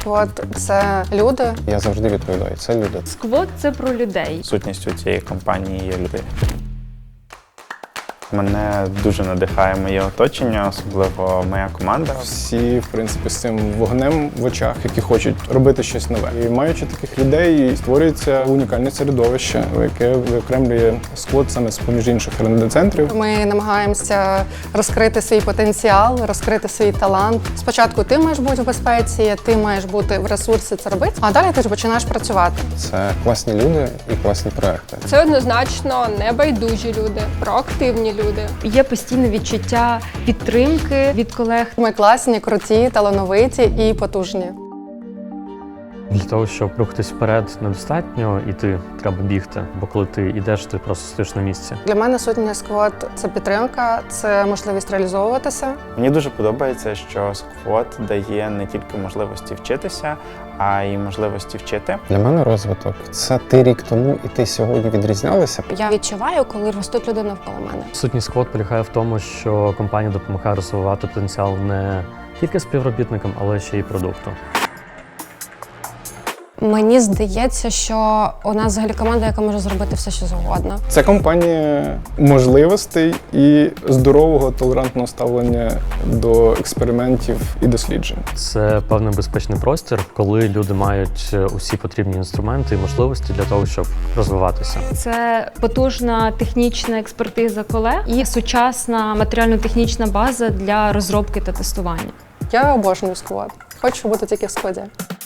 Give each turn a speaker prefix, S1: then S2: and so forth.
S1: сквот – це люди.
S2: Я завжди відповідаю, це люди.
S3: Сквот – це про людей.
S4: Сутністю цієї компанії є люди. Мене дуже надихає моє оточення, особливо моя команда.
S2: Всі, в принципі, з цим вогнем в очах, які хочуть робити щось нове. І маючи таких людей, створюється унікальне середовище, яке виокремлює сквот саме з-поміж інших РНД-центрів.
S1: Ми намагаємося розкрити свій потенціал, розкрити свій талант. Спочатку ти маєш бути в безпеці, ти маєш бути в ресурсі це робити, а далі ти ж починаєш працювати.
S2: Це класні люди і класні проекти.
S5: Це однозначно небайдужі люди, проактивні люди.
S3: Є постійне відчуття підтримки від колег.
S1: Ми класні, круті, талановиті і потужні.
S6: Для того, щоб рухатись вперед, недостатньо іти, треба бігти. Бо коли ти йдеш, ти просто стоїш на місці.
S1: Для мене сутня сквот – це підтримка, це можливість реалізовуватися.
S4: Мені дуже подобається, що сквот дає не тільки можливості вчитися, а й можливості вчити.
S2: Для мене розвиток – це ти рік тому і ти сьогодні відрізнялися.
S5: Я відчуваю, коли ростуть люди навколо мене.
S6: Сутність сквот полягає в тому, що компанія допомагає розвивати потенціал не тільки співробітникам, але ще й продукту.
S5: Мені здається, що у нас взагалі команда, яка може зробити все, що завгодно.
S2: Це компанія можливостей і здорового, толерантного ставлення до експериментів і досліджень.
S6: Це певний безпечний простір, коли люди мають усі потрібні інструменти і можливості для того, щоб розвиватися.
S3: Це потужна технічна експертиза колег і сучасна матеріально-технічна база для розробки та тестування.
S1: Я обожнюю сквот. Хочу бути тільки в складі.